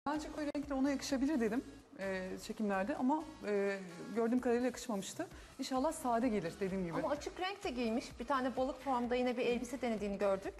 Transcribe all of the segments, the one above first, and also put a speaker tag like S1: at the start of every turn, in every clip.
S1: Bence koyu renkler ona yakışabilir dedim çekimlerde ama gördüğüm kadarıyla yakışmamıştı. İnşallah sade gelir dediğim gibi.
S2: Ama açık renk de giymiş. Bir tane balık formda yine bir elbise denediğini gördük.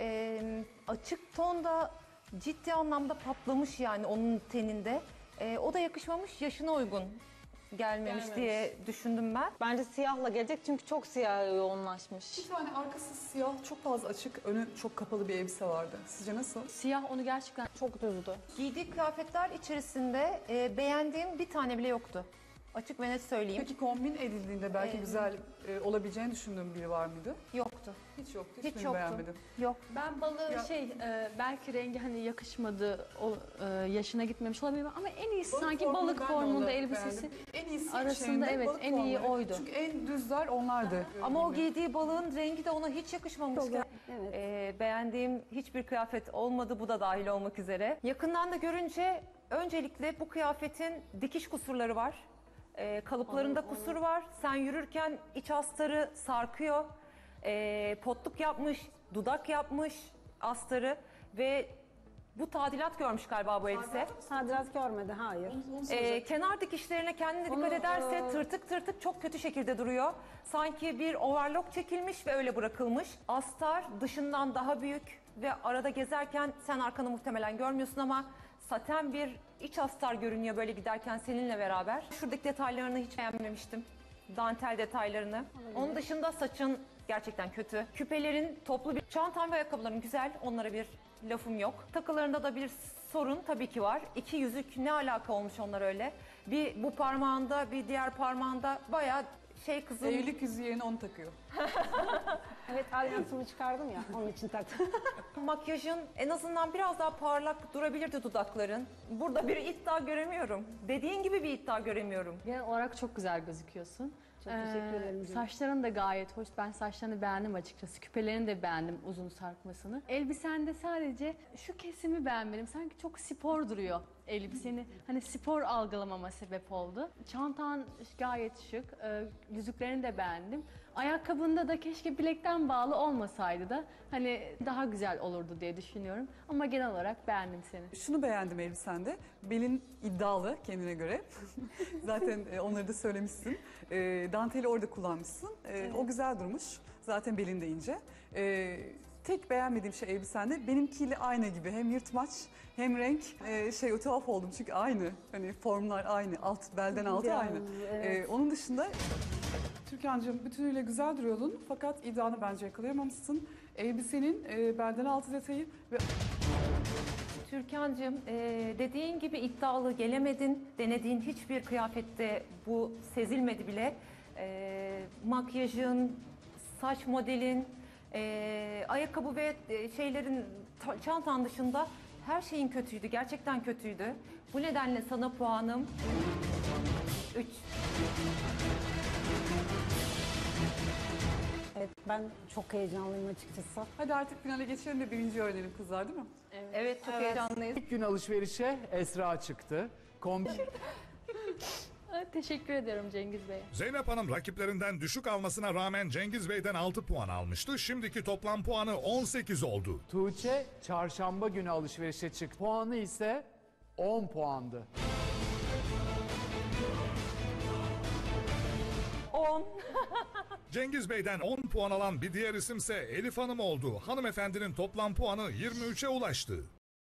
S2: Açık tonda ciddi anlamda patlamış yani onun teninde. O da yakışmamış, yaşına uygun gelmemiş diye düşündüm ben.
S3: Bence siyahla gelecek çünkü çok siyah yoğunlaşmış.
S1: Bir tane arkası siyah, çok fazla açık, önü çok kapalı bir elbise vardı. Sizce nasıl?
S3: Siyah onu gerçekten çok düzdü.
S2: Giydiği kıyafetler içerisinde beğendiğim bir tane bile yoktu. Açık ve net söyleyeyim.
S1: Peki kombin edildiğinde belki güzel olabileceğini düşündüğüm biri var mıydı?
S2: Yoktu.
S1: Hiç yoktu,
S2: Hiç
S1: hiçbirini
S2: yoktu.
S1: beğenmedim.
S2: Yok.
S4: Ben balığı belki rengi hani yakışmadı, yaşına gitmemiş olabilir ama en iyisi sanki
S1: formunu
S4: balık
S1: ben de
S4: formunda
S1: olarak
S4: elbisesi.
S1: beğendim. En iyisi
S4: arasında
S1: şeyinde
S4: evet,
S1: balık
S4: en iyi
S1: formları.
S4: oydu.
S1: Çünkü en düzler onlardı.
S2: Ama o giydiği balığın rengi de ona hiç yakışmamışken. Beğendiğim hiçbir kıyafet olmadı, bu da dahil olmak üzere. Yakından da görünce öncelikle bu kıyafetin dikiş kusurları var. Kalıplarında kusur var. Sen yürürken iç astarı sarkıyor. Potluk yapmış, dudak yapmış astarı ve bu tadilat görmüş galiba bu elbise.
S5: Tadilat görmedi, hayır.
S2: Kenar dikişlerine kendine dikkat ederse tırtık tırtık çok kötü şekilde duruyor. Sanki bir overlock çekilmiş ve öyle bırakılmış. Astar dışından daha büyük ve arada gezerken sen arkanı muhtemelen görmüyorsun ama saten bir iç astar görünüyor böyle giderken seninle beraber. Şuradaki detaylarını hiç beğenmemiştim. Dantel detaylarını. Onun dışında saçın gerçekten kötü. Küpelerin toplu bir çantan ve ayakkabıların güzel. Onlara bir lafım yok. Takılarında da bir sorun tabii ki var. İki yüzük ne alaka olmuş onlar öyle. Bir bu parmağında bir diğer parmağında bayağı kızım.
S1: Evlilik yüzüğü yerine onu takıyor.
S5: Evet, alyansımı çıkardım ya, onun için taktım.
S2: Makyajın en azından biraz daha parlak durabilirdi dudakların. Burada bir iddia göremiyorum. Dediğin gibi bir iddia göremiyorum.
S4: Genel olarak çok güzel gözüküyorsun.
S5: Çok teşekkür ederim canım.
S4: Saçların da gayet hoş. Ben saçlarını beğendim açıkçası. Küpelerini de beğendim, uzun sarkmasını. Elbisende sadece şu kesimi beğenmedim. Sanki çok spor duruyor elbiseni. Hani spor algılamama sebep oldu. Çantan gayet şık. Yüzüklerini de beğendim. Ayakkabında da keşke bilekten bağlı olmasaydı da hani daha güzel olurdu diye düşünüyorum. Ama genel olarak beğendim seni.
S1: Şunu beğendim elbisende. Belin iddialı kendine göre. Zaten onları da söylemişsin. Danteli orada kullanmışsın. O güzel durmuş. Zaten belin de ince. Tek beğenmediğim şey elbisende benimkiyle aynı gibi. Hem yırtmaç hem renk. O tuhaf oldum çünkü aynı. Hani formlar aynı. Belden altı
S5: Biraz,
S1: aynı.
S5: evet.
S1: Onun dışında Türkan'cığım bütünüyle güzel duruyordun. Fakat iddianı bence yakalayamamışsın. Elbisenin belden altı detayı ve
S2: Türkan'cığım dediğin gibi iddialı gelemedin. Denediğin hiçbir kıyafette bu sezilmedi bile. Makyajın, saç modelin, ayakkabı ve çantan dışında her şeyin kötüydü. Gerçekten kötüydü. Bu nedenle sana puanım 3.
S5: Evet, ben çok heyecanlıyım açıkçası.
S1: hadi artık finale geçelim de birinci öğrenelim kızlar değil mi?
S2: Evet, çok heyecanlıyız.
S6: İlk gün alışverişe Esra çıktı.
S4: Teşekkür ederim Cengiz Bey.
S7: Zeynep Hanım rakiplerinden düşük almasına rağmen Cengiz Bey'den 6 puan almıştı. Şimdiki toplam puanı 18 oldu.
S6: Tuğçe çarşamba günü alışverişe çıktı. Puanı ise 10 puandı.
S2: 10.
S7: Cengiz Bey'den 10 puan alan bir diğer isimse Elif Hanım oldu. Hanımefendinin toplam puanı 23'e ulaştı.